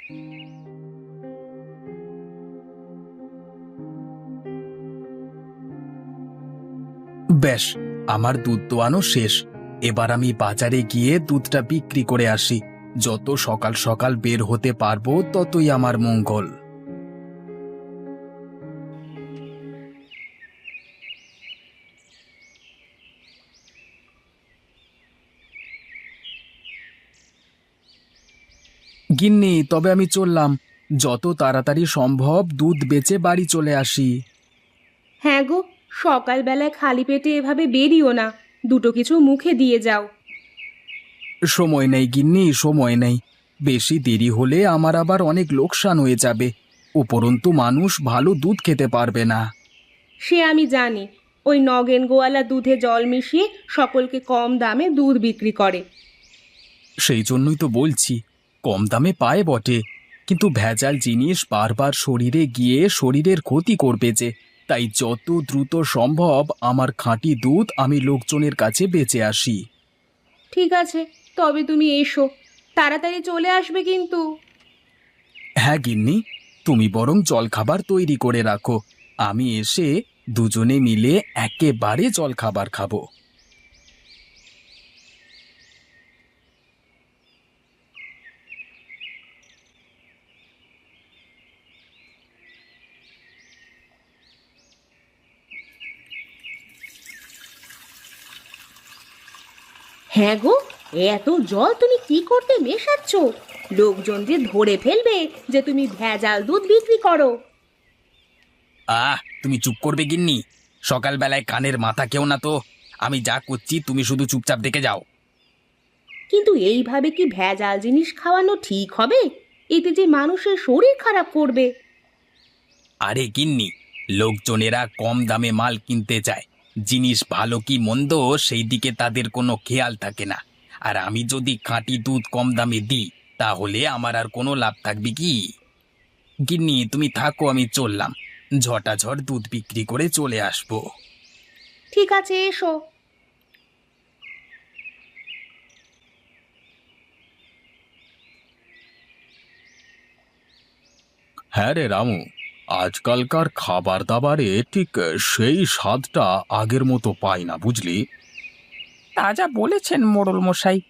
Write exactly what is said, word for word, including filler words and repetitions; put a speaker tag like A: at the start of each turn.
A: বেশ, আমার দুধ দোয়ানো শেষ। এবার আমি বাজারে গিয়ে দুধটা বিক্রি করে আসি। যত সকাল সকাল বের হতে পারবো ততই আমার মঙ্গল। গিন্নি, তবে আমি চললাম। যত তাড়াতাড়ি সম্ভব দুধ বেচে বাড়ি চলে আসি।
B: হ্যাঁ গো, সকালবেলায় খালি পেটে এভাবে বেরিও না, দুটো কিছু মুখে দিয়ে যাও।
A: সময় নেই গিন্নি, সময় নেই। বেশি দেরি হলে আমার আবার অনেক লোকসান হয়ে যাবে। উপরন্তু মানুষ ভালো দুধ খেতে পারবে না।
B: সে আমি জানি, ওই নগেন গোয়ালা দুধে জল মিশিয়ে সকলকে কম দামে দুধ বিক্রি করে।
A: সেই জন্যই তো বলছি, কম দামে পায় বটে, কিন্তু ভেজাল জিনিস বারবার শরীরে গিয়ে শরীরের ক্ষতি করবে যে। তাই যত দ্রুত সম্ভব আমার খাঁটি দুধ আমি লোকজনের কাছে বেচে আসি।
B: ঠিক আছে, তবে তুমি এসো, তাড়াতাড়ি চলে আসবে কিন্তু।
A: হ্যাঁ গিন্নি, তুমি বরং জলখাবার তৈরি করে রাখো। আমি এসে দুজনে মিলে একেবারে জলখাবার খাবো।
B: হ্যাঁ গো, এত জল তুমি কি করতে মেশাচ্ছ? লোকজন যে ধরে ফেলবে যে তুমি ভেজাল দুধ বিক্রি করো।
A: আহ, তুমি চুপ করবে গিন্নি? সকালবেলায় কানের মাথা কেউ না তো। আমি যা করছি তুমি শুধু চুপচাপ দেখে যাও।
B: কিন্তু এইভাবে কি ভেজাল জিনিস খাওয়ানো ঠিক হবে? এতে যে মানুষের শরীর খারাপ করবে।
A: আরে গিন্নি, লোকজনেরা কম দামে মাল কিনতে চায়। জিনিস ভালো কি মন্দ সেই দিকে তাদের কোনো খেয়াল থাকে না। আর আমি যদি খাঁটি দুধ কম দামে দিই, তাহলে আমার আর কোনো লাভ থাকবে কি? গিন্নি তুমি থাকো, আমি চললাম। ঝটাঝট দুধ বিক্রি করে চলে আসবো।
B: ঠিক আছে, এসো।
A: হ্যাঁ রে রামু, আজকালকার খাবার দাবারে ঠিক সেই স্বাদটা আগের মতো পাই না, বুঝলি?
C: তা যা বলেছেন মোড়ল মশাই,